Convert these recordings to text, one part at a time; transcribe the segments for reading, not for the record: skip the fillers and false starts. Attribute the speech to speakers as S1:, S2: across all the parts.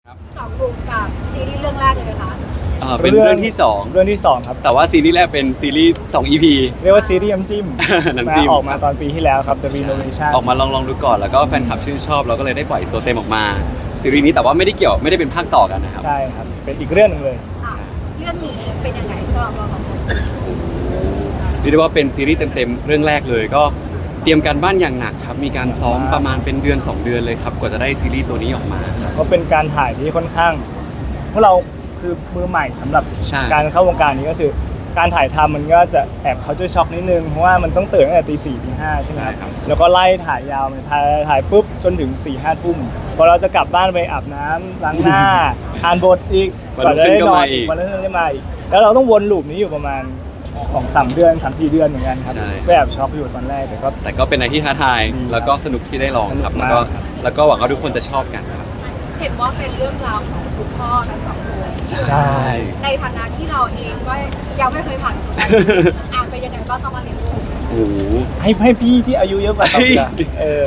S1: สองลุงกับซีรีส์เรื่องแรกเลยไหมคะ
S2: เป็นเรื่องที่
S3: เรื่องที่2ครับ
S2: 2แต่ว่าซีรีส์แรกเป็นซีรีส์2 EP
S3: เรียกว่าซีรีส์น้ำจิ้ม
S2: น้ำจิ้ม
S3: ออกมาตอนปีที่แล้วครับ The Renovation
S2: ออกมาลองดูก่อนแล้วก็แฟนคลับชื่นชอบเราก็เลยได้ปล่อยตัวเต็มออกมาซีรีส์นี้แต่ว่าไม่ได้เป็นภาคต่อกันนะครับ
S3: ใช่ครับเป็นอีกเรื่องหนึงเลย
S1: อ่ะเรื่องนี้เป็นยังไงสำหรับเราสองคน
S2: เรียกได้ว่าเป็นซีรีส์เต็มๆเรื่องแรกเลยก็เตรียมการบ้านอย่างหนักครับมีการซ้อมประมาณเป็นเดือน 2 เดือนเลยครับกว่าจะได้ซีรีส์ตัวนี้ออกมาครับ
S3: ก็เป็นการถ่ายที่ค่อนข้างพวกเราคือมือใหม่สำหรับ
S2: ใช่
S3: การเข้าวงการนี้ก็คือ การถ่ายทำมันก็จะแอบเขาจะช็อกนิดนึงเพราะว่ามันต้องตื่นตั้งแต่ตีสี่ตีห้าใช่ไหมครับแล้วก็ไล่ถ่ายยาวถ่ายปุ๊บจนถึง4-5 ทุ่มพอเราจะกลับบ้านไปอาบน้ำล้างหน้า อ่านบทอีก
S2: วันรุ่งขึ้นก็มาอีก
S3: วันรุ่งขึ้นก็มาอีกแล้วเราต้องวนลูปนี้อยู่ประมาณ 2-3 เดือน 3-4 เดือนเหมือนกันครับก็แอบช็อกอยู่ตอนแรกแต่ก็
S2: เป็นอะไรที่ท้าทายแล้วก็สนุกที่ได้ลองครับ
S3: สนุกมาก
S2: แล้วก็หวังว่าทุกคนจะชอบกันครับ
S1: เห็นว่าเป็นเรื่องราวของคุณพ่อทั้งสองคน
S3: ใช่
S1: ในฐานะที่เราเองก็ยังไม่เคยผ่านประสบการณ์อ่านเป็นยังไงบ้างต้องมาเรียนรู้
S2: โอ้โห
S3: ให้พี่ที่อายุเยอะกว่าเราอีกอะ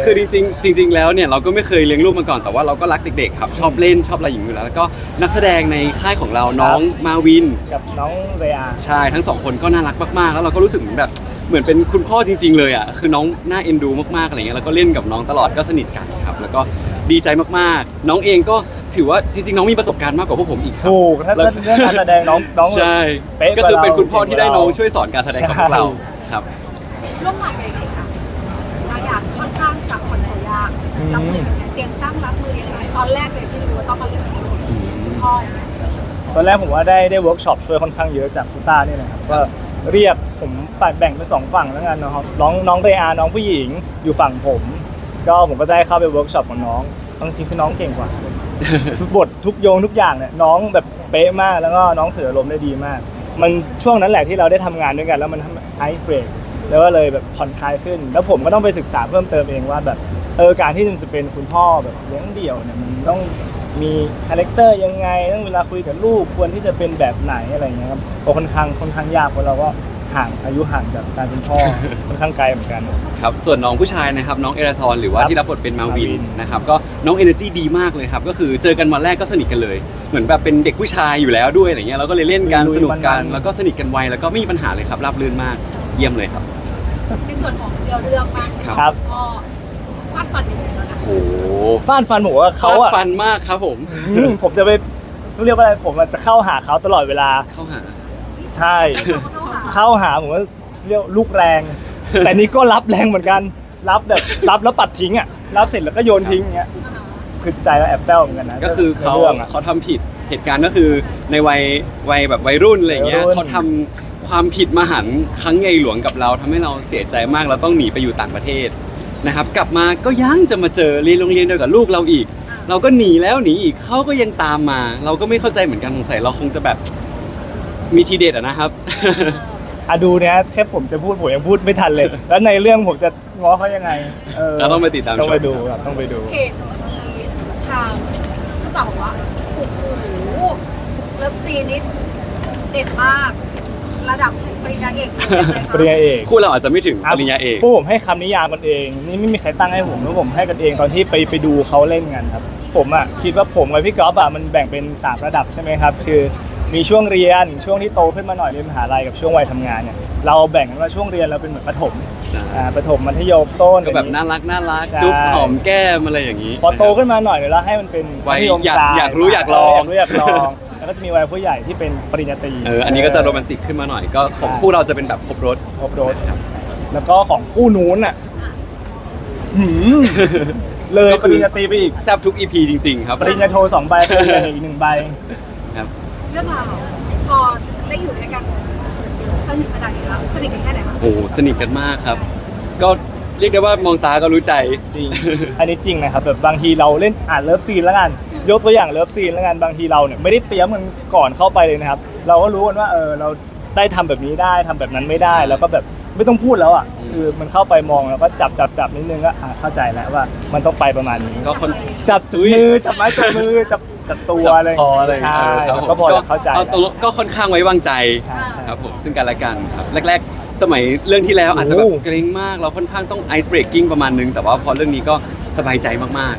S2: คือจริงๆแล้วเนี่ยเราก็ไม่เคยเลี้ยงลูกมาก่อนแต่ว่าเราก็รักเด็กๆครับชอบเล่นชอบอะไรอย่างนี้อยู่แล้วแล้วก็นักแสดงในค่ายของเราน้องมาวิน
S3: กับน้องเรอา
S2: ใช่ทั้งสองคนก็น่ารักมากๆแล้วเราก็รู้สึกเหมือนเป็นคุณพ่อจริงๆเลยอ่ะคือน้องน่าเอ็นดูมากๆอะไรเงี้ยแล้วก็เล่นกับน้องตลอดก็สนิทกันครับแล้วก็ดีใจมากๆน้องเองก็ถือว่าจริงๆน้องมีประสบการณ์มากกว่าพวกผมอีกครับ
S3: ถูกถ้าเรื่องการแสดงน้อง
S2: ใช่
S3: เป๊ะ
S2: ก็คือเป็นคุณพ่อที่ได้น้องช่วยสอนการแสดงกับพวกเราครับ
S1: ร่วมงานกันยังไงคะบางอย่างค่อนข้างกับคนตัวยากรับมือยังไงเตรียมตั้งรับมือยังไงตอนแรกเลยที่รู้ว่าต้องมาเรียนรู้คุณพ่อยังไง
S3: ตอนแรกผมว่าได้เวิร์กช็อปช่วยค่อนข้างเยอะจากคุณต้าเนี่ยนะครับก็เรียกผมแบ่งเป็น2ฝั่งแล้วกันนะครับน้องเรอาน้องผู้หญิงอยู่ฝั่งผมก็ได้เข้าไปเวิร์กช็อปกับน้องจริงๆคือน้องเก่งกว่า ทุกบททุกโยงทุกอย่างเนี่ยน้องแบบเป๊ะมากแล้วก็น้องสื่ออารมณ์ได้ดีมาก มันช่วงนั้นแหละที่เราได้ทำงานด้วยกันแล้วมันไอซ์เบรกแล้วก็เลยแบบผ่อนคลายขึ้น แล้วผมก็ต้องไปศึกษาเพิ่มเติมเองว่าแบบการที่จะเป็นคุณพ่อแบบเลี้ยงเดี่ยวเนี่ยมันต้องมีคาแรคเตอร์ยังไงต้องเวลาคุยกับลูกควรที่จะเป็นแบบไหนอะไรอย่างเงี้ยครับก็ค่อนข้างยากเพราะเราก็อายุห่างจากการเป็นพ่อ ค่อนข้างไกลเหมือนกัน
S2: ครับส่วนน้องผู้ชายนะครับน้องเอราทอนหรือว่า
S3: ครับ
S2: ที่รับบทเป็นมาวิน
S3: มาวิน
S2: นะครับก็น้องเอเนอร์จีดีมากเลยครับก็คือเจอกันวันแรกก็สนิทกันเลย เหมือนแบบเป็นเด็กผู้ชายอยู่แล้วด้วยอะไรเงี้ยเราก็เลยเล่นกันสนุกกันแล้วก็สนิทกันไวแล้วก็ไม่มีปัญหาเลยครับราบรื่นมากเยี่ยมเลยครับ
S1: ในส่วนของเรื่องบ้าง
S3: ครับ
S1: พ่อวาดฝันยังไงแล้วนะ
S2: โอ้โห
S3: ฟาดฟันผมว่าเขา
S2: ฟาด
S3: อะ
S2: ฟันมากครับผม
S3: ผมจะไปเรียกว่าอะไรผมอะจะเข้าหาเขาตลอดเวลา
S2: เข้าหา
S3: ใช่
S1: เข้าหา
S3: ผมว่าเรียกลูกแรง แต่นี่ก็รับแรงเหมือนกันรับแล้วปัดทิ้งอ่ะรับเสร็จแล้วก็โยนทิ้งอย่างเงี้ยคือใจแล้วแอบแป้วเหมือนกันนะ
S2: ก็คือเขา
S3: ในรื่องอะ
S2: ทำผิดเหตุการณ์ก็คือในวัยแบบวัยรุ่นอะไรเงี้ย
S3: วัยรุ่น
S2: เขาทำความผิดมหันต์ครั้งใหญ่หลวงกับเราทำให้เราเสียใจมากเราต้องหนีไปอยู่ต่างประเทศนะครับกลับมาก็ยังจะมาเจอเรียนโรงเรียนเดียวกับลูกเราอีก เราก็หนีแล้วหนีอีกเขาก็ยังตามมา เราก็ไม่เข้าใจเหมือนกันสงสัยเราคงจะแบบมีทีเด็ดอะนะครับ
S3: ดูเนี่ยแค่ผมจะพูดผมยังพูดไม่ทันเลย แล้วในเรื่องผมจะง้อเขายังไง
S2: เราต้องไปติดตาม
S3: ต้องไป
S2: ชม
S3: ดูครับต้องไปดู
S1: เห็นเมื่อกี้ทางผู้จัดบอกว่าโอ้โหเลิฟซีนนี้เด็ดมาก ระดับปริญญาเอกเลย
S3: ปริญญาเอก
S2: คู่เราอาจจะไม่ถึงปริญญาเอก
S3: พวกผมให้คำนิยามกันเอง นี่ไม่มีใครตั้งให้ผมแล้วผมให้กันเองตอนที่ไปดูเขาเล่นกันครับ ผมอ่ะคิดว่าผมกับพี่ก๊อฟอ่ะมันแบ่งเป็น3ระดับใช่ไหมครับคือมีช่วงเรียนช่วงที่โตขึ้นมาหน่อยเรียนมหาลัยกับช่วงวัยทำงานเนี่ยเราแบ่งกันว่าช่วงเรียนเราเป็นเหมือนประถมประถมมัธยมต้น
S2: ก็แบบน่ารัก
S3: ใช่
S2: จุ๊บหอมแก้มอะไรอย่างนี้
S3: พอโตขึ้นมาหน่อยเดี๋ยวเราให้มันเป็น
S2: วัย
S3: มัธม
S2: อยาก
S3: ปล
S2: อยากรู้อยากลอง
S3: อยากลองแล้วก็จะมีวัยผู้ใหญ่ที่เป็นปริญญาตรี
S2: อันนี้ก็จะโรแมนติกขึ้นมาหน่อยก็ของคู่เราจะเป็นแบบครบรถ
S3: ครบรถแล้วก็ของคู่นู้นอ่ะหืมเลย
S2: ก็
S3: ป
S2: คือ
S3: ริญญาตรีไปอีก
S2: แซบทุก EP จริง ๆ ครับ
S3: ปริญญาโท2 ใบปริญญาเอกอีก1 ใบ
S2: ครับ
S1: เรื่องราวพอได้อยู่ด้วยกันสนิทขนาดนี้แล้วสนิทกันแค่ไหนคะ
S2: โอ้โหสนิทกันมากครับ ก็เรียกได้ว่ามองตาก็รู้ใจ
S3: จริง อันนี้จริงนะครับแบบบางทีเราเล่นเลิฟซีนแล้วกันยกตัวอย่างเลิฟซีนแล้วกันบางทีเราเนี่ยไม่ได้เตรียมมันก่อนเข้าไปเลยนะครับ เราก็รู้กันว่าเราได้ทำแบบนี้ได้ทำแบบนั้นไม่ได้ แล้วก็แบบไม่ต้องพูดแล้วอ่ะคือมันเข้าไปมองแล้วก็จับนิดนึงก็เข้าใจแล้วว่ามันต้องไปประมาณนี้
S2: ก็คน
S3: จับมือจับไม้จับมือจับตัวอะไร
S2: คออะไรอย่าง
S3: ใช่
S2: เงี้ยครับผม
S3: ก็พอจะเข้าใจ
S2: ตรงก็ค่อนข้างไว้วางใจ
S3: ใช่ใช่
S2: ครับผมซึ่งกันและกันครับแรกๆ สมัยเรื่องที่แล้วอาจจะแบบ
S3: โอ้
S2: เกรงมากเราค่อนข้างต้องไอซ์เบรกกิ้งประมาณนึงแต่ว่าพอเรื่องนี้ก็สบายใจมากๆครับ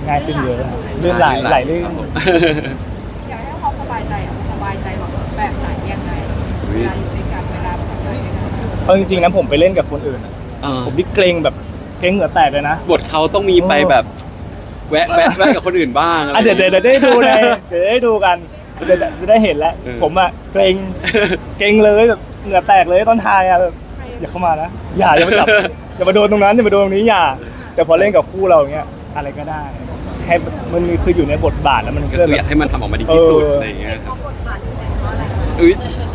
S3: ง่ายขึ้นเยอะครับลื่นไหลลื่น
S2: ครับผม
S1: อยากให้เขาสบายใจสบายใจแบบไหนยังไงเวลาอยู่ด้วยกันเวลาทำงานด้วยกัน
S3: เอาจริงๆนะผมไปเล่นกับคนอื่นอะ
S2: เออ
S3: ผมนี่เกรงแบบเกรงเหงื่อแตกเลยนะ
S2: บทเขาต้องมีไปแบบแวะกับคนอื่นบ้างอะไร
S3: อ่ะเดี๋ยวได้ดูเลยเดี๋ยวได้ดูกันเดี๋ยวจะได้เห็นแล้ว
S2: เออ
S3: ผมอะเกรงเลยแบบเหงื่อแตกเลยตอนทายอะแบบอย่าเข้ามานะอย่ามาจับ อย่ามาโดนตรงนั้นอย่ามาโดนตรงนี้อย่าแต่พอเล่นกับคู่เราอย่างเงี้ยอะไรก็ได้แค่มันคืออยู่ในบทบาทแล้วมัน
S2: ก็
S3: ก็
S2: คือ
S3: แบ
S2: อยา
S3: บ
S2: กให้มันทำออกมาดีที่สุด
S3: เอออ
S2: อะไรอย่างเงี้ยค
S1: เขา
S2: รับ
S1: บทบาทแต่เพราะอะไร
S2: อุ้ย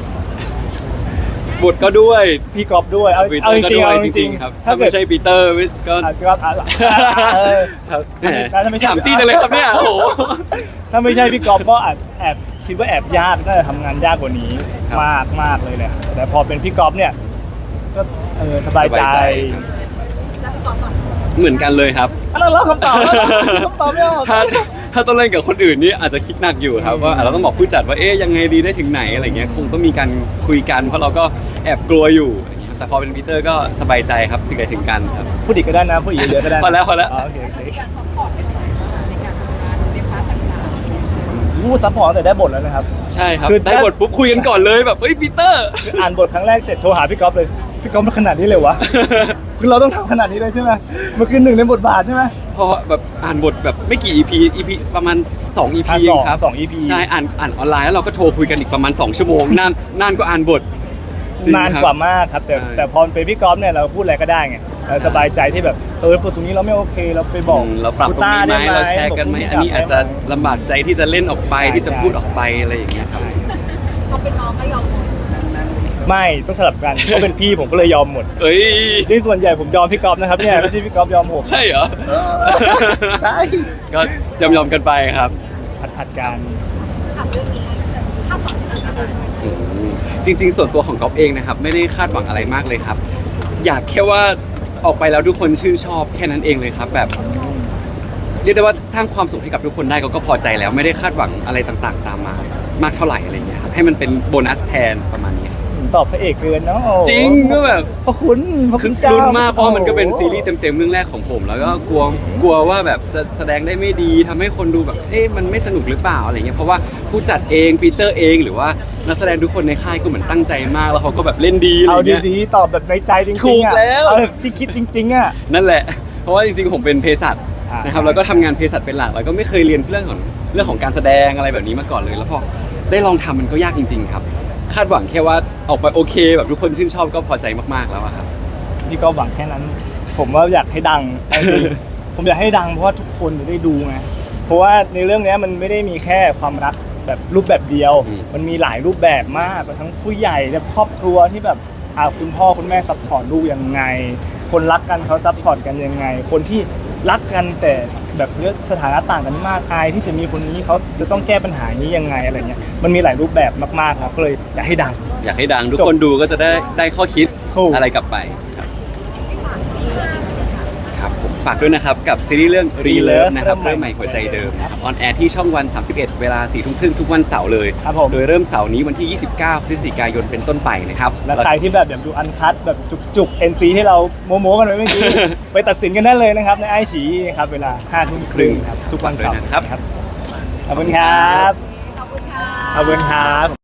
S2: บทก็ด้วย
S3: พี่กอฟด้วยเอา
S2: ปีเต
S3: เอา
S2: อ
S3: จ
S2: ร์ก็
S3: ริงๆ
S2: ด้วย
S3: เอา
S2: จ
S3: จ
S2: ริ
S3: ริ
S2: ง
S3: ง
S2: ๆครับ
S3: ๆ
S2: ถ้าไม่ใช่ปีเตอร์ก็
S3: อาจจะว่าเออ
S2: แหม
S3: ถ้าไม่ใช่
S2: ถามจี้จังเลยครับเนี่ยโอ้โห
S3: ถ้าไม่ใช่พี่กอฟก็อาจแอบคิดว่าแอบยากน่าจะทำงานยากกว่านี้
S2: ครับ
S3: มากเลยแหละแต่พอเป็นพี่กอฟเนี่ยก็สบายใจ
S2: สบายใจครับ
S1: แล้วพี่กอล์ฟก่อน
S2: เหมือนกันเลยครับ
S3: แล้วคำตอบแล้วคำตอบไม่ออก
S2: ถ้าต้องเล่นกับคนอื่นนี่อาจจะคิดหนักอยู่ครับว่าเราต้องบอกผู้จัดว่าเอ๊ยยังไงดีได้ถึงไหนอะไรเงี้ยคงต้องมีการคุยกันเพราะเราก็แอบกลัวอยู่อะไรเงี้ยแต่พอเป็นปีเตอร์ก็สบายใจครับถึงไหนถึงกันครับ
S3: พูดอีกก็ได้นะพูดอีกเยอะก็ได้นะ
S2: พอแล้ว
S3: อ๋อโอเค
S1: การซัพพอร์ตเป็นยังไงบ้างในการทำงานในพาร์ทต่าง
S3: พูดซัพพอร์ตตั้งแต่ได้บทแล้วนะครับ
S2: ใช่ครับ
S3: คือ
S2: ได้บทปุ๊บคุยกันก่อนเลยแบบเฮ้ยปีเตอร์
S3: คืออ่านบทครั้งแรกเสร็จโทรหาพี่กอฟเลยพี่กอฟมันขนาดนี้เลยวะ คือเราต้องทำขนาดนี้เลยใช่ไหมมันคือหนึ่งในบทบาทใช่ไหม
S2: พอแบบอ่านบทแบบไม่กี่ EP ประมาณ2 EP
S3: อ่ะ
S2: เองครับ
S3: สอง EP
S2: ใช่อ่านออนไลน์แล้วเราก็โทรคุยกันอีกประมาณ2 ชั่วโมงนานก็อ่านบทจริง
S3: นาน
S2: ครับ
S3: กว่ามากครับแต่
S2: ใช่
S3: แต่พอเป็นพี่กอล์ฟเนี่ยเราพูดอะไรก็ได้ไงเราสบายใจที่แบบบทตรงนี้เราไม่โอเคเราไปบอก
S2: เราปรับตรงนี้ไหม
S3: ด้
S2: เราแชร์กันไหม
S3: บ
S2: อันนี้อาจจะลำบากใจที่จะเล่นออกไป
S3: ใช่
S2: ที่จะพูดออกไปอะไรอย่างเงี้ยครับ
S1: ๆเขาเป็นน้องก็ยอมหมด
S3: ไม่ต้องสลับกันเขาเป็นพี่ผมก็เลยยอมหมด
S2: เอ้ย
S3: ที่ส่วนใหญ่ผมยอมพี่กอล์ฟนะครับเนี่ยไม่ใช่พี่กอล์ฟยอมผม
S2: ใช่เหรอ
S3: ใช่
S2: ก็ยอมกันไปครับ
S3: ผัดกัน
S1: ถามเรื่องนี้คาดหวังอะไร
S2: จริงๆ ส่วนตัวของก๊อฟเองนะครับไม่ได้คาดหวังอะไรมากเลยครับ อยากแค่ว่าออกไปแล้วทุกคนชื่นชอบแค่นั้นเองเลยครับ แบบเรียกได้ว่าสร้างความสุขให้กับทุกคนได้ก็พอใจแล้วไม่ได้คาดหวังอะไรต่างๆ ตามมามากเท่าไหร่อะไรเงี้ยครับให้มันเป็นโบนัสแทนประมาณนี้ครับ
S3: ตอบพระเอกเกินเนาะ
S2: จริงก็แบบ
S3: พระคุณพระ
S2: คื
S3: คุ
S2: อ
S3: ณเจ้า
S2: ลุ้นมากเพราะว่ามันก็เป็นซีรีส์เต็มๆเรื่องแรกของผม แล้วก็กลัวว่าแบบจะแสดงได้ไม่ดีทำให้คนดูแบบเอ๊ะมันไม่สนุกหรือเปล่าอะไรเงี้ยเพราะว่าผู้จัดเองปีเตอร์เองหรือว่านักแสดงทุกคนในค่ายก็เหมือนตั้งใจมากแล้วเขาก็แบบเล่นดีอะไร
S3: เอา
S2: เงี้ย
S3: ดีๆตอบแบบในใจจริงๆ
S2: ถูก
S3: อะ
S2: แล้ว
S3: เอาแบบที่คิดจริงๆอ่ะ
S2: นั่นแหละ เพราะว่าจริงๆผมเป็นเภสัช
S3: อ่าน
S2: นะครับ
S3: ใช่
S2: แล้วก็ทำงานเภสัชเป็นหลักแล้วก็ไม่เคยเรียนเรื่องของการแสดงอะไรแบบนี้มาก่อนเลย แล้วพอได้ลองทำมันก็ยากจริง ๆ ครับ คาดหวังแค่ว่าออกไปโอเค แบบทุกคนชื่นชอบก็พอใจมากๆแล้วอะครับ
S3: พี่ก็หวังแค่นั้น ผมว่าอยากให้ดัง เอาจริงๆผมอยากให้ดังเพราะว่าทุกคนจะได้ดูไงเพราะว่าในเรื่องเนี้ยมันไม่ได้มีแค่ความรักแบบรูปแบบเดียว
S2: อืม
S3: มันมีหลายรูปแบบมากทั้งผู้ใหญ่และครอบครัวที่แบบคุณพ่อคุณแม่ซัพพอร์ตลูกยังไง คนรักกันเขาซัพพอร์ตกันยังไง คนที่รักกันแต่แบบเรื่องสถานะต่างกันมากอายที่จะมีคนนี้เขาจะต้องแก้ปัญหานี้ยังไงอะไรเงี้ยมันมีหลายรูปแบบมากๆครับก็เลยอยากให้ดัง
S2: อยากให้ดังทุกคนดูก็จะได้ข้อคิด
S3: ถูก
S2: อะไรกลับไปครับ
S1: ที่ฝากที่งานค่ะ
S2: ครับผมฝากด้วยนะครับกับซีรีส์เรื่อง Relove นะครับเริ่มใหม่หัวใจเดิม
S3: ครับ
S2: ออนแอร์ที่ช่องวัน 31 เวลา 4 ทุ่มครึ่งทุกวันเสาร์เลย
S3: ครับผม
S2: โดยเริ่มเสาร์นี้วันที่ 29 พฤศจิกายนเป็นต้นไปนะครับ
S3: และใครที่แบบอยากดูอันคัดแบบจุกๆ NC ที่เราโมกันไว้เมื่อกี้ ไปตัดสินกันได้เลยนะครับในไอฉีครับเวลา 5 ทุ่มครึ่งครับทุกวันเสาร์
S2: ฝากด้วยนะครับ
S3: ขอบคุณครับ
S1: ขอบคุณค่ะ
S3: ขอบคุณครับ